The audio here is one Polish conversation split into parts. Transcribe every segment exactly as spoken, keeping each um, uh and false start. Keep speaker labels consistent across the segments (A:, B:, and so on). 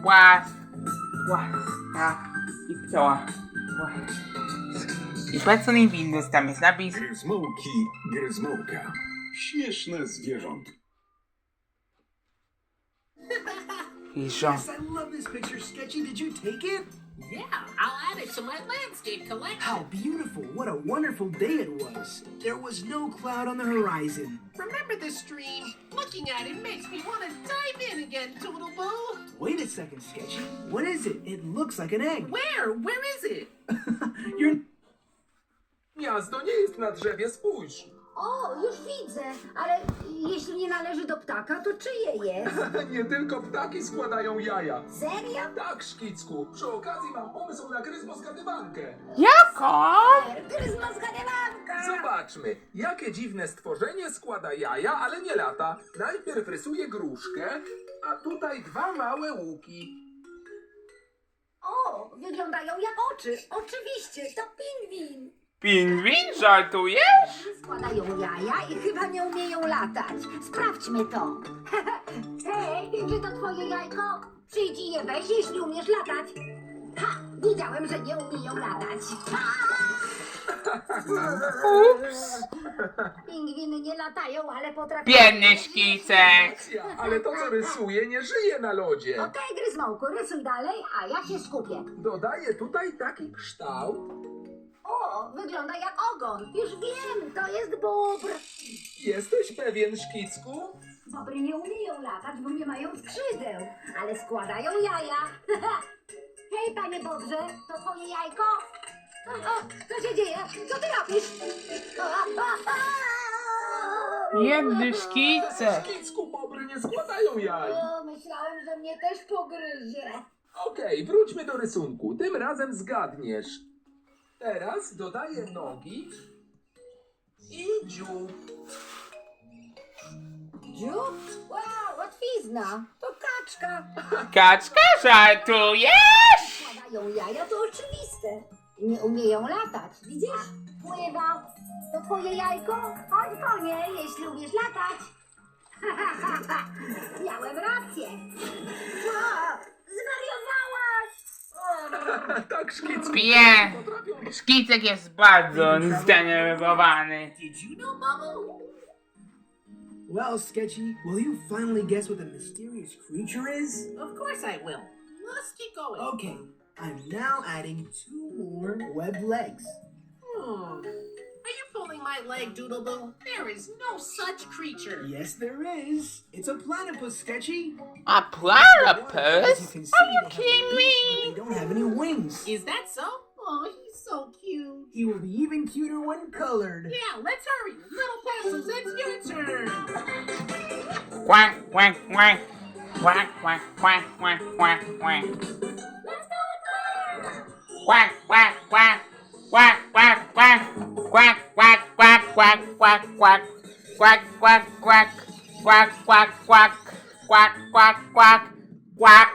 A: Łas. Łaska. I ptoła. I płacony Windows, tam jest napis.
B: Gryzmołki, gryzmołka. Śmieszne zwierząt.
A: I żon.
C: Yes, I love this picture, Sketchy. Did you take it?
D: Yeah, I'll add it to my landscape collection.
C: How beautiful. What a wonderful day it was. There was no cloud on the horizon.
D: Remember this stream? Looking at it makes me want to dive in again, Doodle-Boo.
C: Wait a second, Sketchy. What is it? It looks like an egg.
D: Where? Where is it?
C: You're...
E: Gniazdo nie jest na drzewie, spójrz.
F: O, już widzę, ale jeśli nie należy do ptaka, to czyje jest?
E: Nie tylko ptaki składają jaja.
F: Serio?
E: Tak, Szkicku. Przy okazji mam pomysł na gryzmoskadywankę.
A: Jaką?
F: Gryzmo zgadywanka!
E: Zobaczmy, jakie dziwne stworzenie składa jaja, ale nie lata. Najpierw rysuje gruszkę, a tutaj dwa małe łuki.
F: O, wyglądają jak oczy. Oczywiście, to pingwin.
A: Pingwin? Żartujesz?
F: Składają jaja i chyba nie umieją latać. Sprawdźmy to. Hej, czy to twoje jajko? Przyjdź i je weź, jeśli umiesz latać. Ha, wiedziałem, że nie umieją latać.
A: Ups.
F: Pingwiny nie latają, ale potrafią...
A: Biedny Szkicek.
E: Ja, ale to, co rysuje, nie żyje na lodzie.
F: Okej, Gryzmołku, rysuj dalej, a ja się skupię.
E: Dodaję tutaj taki kształt.
F: O, wygląda jak ogon. Już wiem, to jest bóbr.
E: Jesteś pewien, Szkicku?
F: Bobry nie umieją latać, bo nie mają skrzydeł, ale składają jaja. Hej, panie Bobrze, to twoje jajko? O, o, co się dzieje? Co ty robisz? O, o, o!
A: Biedny Szkicek.
E: Szkicku, bobry nie składają jaj.
F: O, myślałem, że mnie też pogryzie.
E: Okej, wróćmy do rysunku. Tym razem zgadniesz. Teraz dodaję nogi i dziób.
F: Dziób? Wow, łatwizna. To kaczka.
A: Kaczka, żartujesz?
F: Składają jaja, to oczywiste. Nie umieją latać, widzisz? Pływa. To twoje jajko? Chodź po nie, jeśli umiesz latać. Miałem rację. O, zwariowałaś!
E: Tak, Szkicku.
A: Pie.
E: Potrafią...
A: Szkicek jest bardzo zdenerwowany.
D: Did you know, Bubba?
C: Well, Sketchy, will you finally guess what the mysterious creature is?
D: Of course I will. Let's keep going.
C: Okay, I'm now adding two more webbed legs.
D: Hmm. Are you pulling my leg, Doodle-Boo? There is no such creature.
C: Yes, there is. It's a platypus, Sketchy.
A: A
C: As
A: platypus?
C: you can see,
A: Are you
C: they have
A: kidding
C: a beak, but
A: me?
C: they don't have any wings.
D: Is that so? Oh, he's so cute.
C: He will be even cuter when colored.
D: Yeah, let's hurry. Little pencils, it's your turn.
A: Quack, quack, quack. Quack, quack, quack, quack, quack, quack. Quack, quack, quack. Quack, quack, quack. Quack, quack, quack, quack, quack, quack. Quack, quack, quack. Quack, quack, quack. Quack, quack, quack. Quack.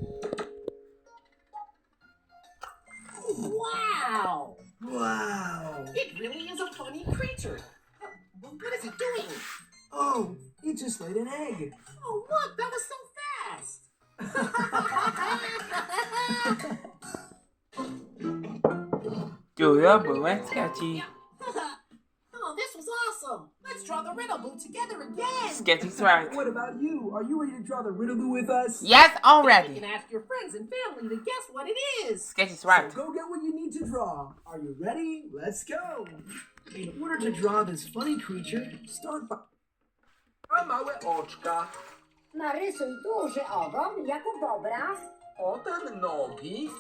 D: Wow.
C: Wow.
D: It really is a funny creature. Well, what is it doing?
C: Oh, it just laid an egg.
D: Oh, look, that was so fast.
A: Dużo było Sketchy.
D: Oh, this was awesome. Let's draw the riddle boot together again.
A: Sketchy's right.
C: What about you? Are you ready to draw the riddle with us?
A: Yes,
D: You
A: already.
D: can ask your friends and family to guess what it is.
A: Sketchy's
C: So
A: right.
C: go get what you need to draw. Are you ready? Let's go. In order to draw this funny creature, start by...
E: A małe oczka.
F: Narysuj duży ogon, jak u bobra.
E: Potem nogi.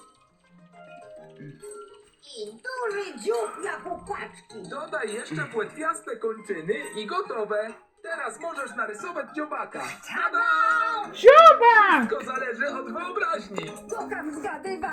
F: I duży dziób, jak u kaczki.
E: Dodaj jeszcze płetwiaste kończyny i gotowe. Teraz możesz narysować dziobaka. Tada!
A: Dziobak!
E: Wszystko zależy od wyobraźni.
F: Kocham zgadywać.